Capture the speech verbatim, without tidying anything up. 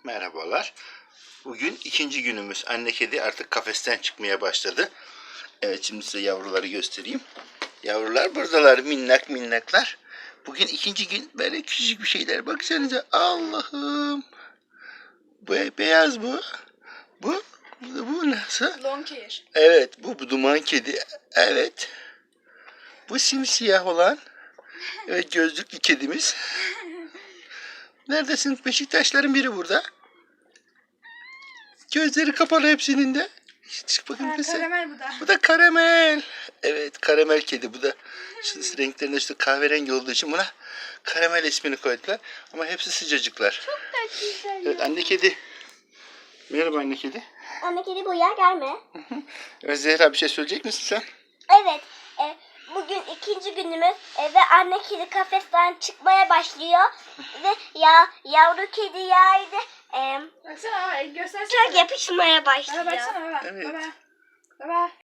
Merhabalar. Bugün ikinci günümüz. Anne kedi artık kafesten çıkmaya başladı. Evet, şimdi size yavruları göstereyim. Yavrular buradalar, minnak minnaklar. Bugün ikinci gün, böyle küçücük bir şeyler. Baksanıza, Allah'ım. Bu beyaz bu. Bu, bu nasıl? Long hair. Evet, bu, bu duman kedi. Evet. Bu simsiyah olan. Evet, gözlüklü kedimiz. Neredesin? Beşiktaşların biri burada. Gözleri kapalı hepsinin de. Çık bakayım Ha, kız sen. karamel bu da. Bu da karamel. Evet, karamel kedi bu da. Şu renklerinde işte kahverengi olduğu için buna karamel ismini koydular. Ama hepsi sıcacıklar. Çok da güzel. Evet, anne kedi. Merhaba anne kedi. Anne kedi buraya gelme. Evet, Zehra, bir şey söyleyecek misin sen? Evet. E, bugün ikinci günümüz e, ve anne kedi kafesten çıkmaya başlıyor. Ve ya yavru kedi yaydı. E, Baksana baba, göstersene. çok yapışmaya Baba başlıyor. baksana baba. Evet. Baba. Baba.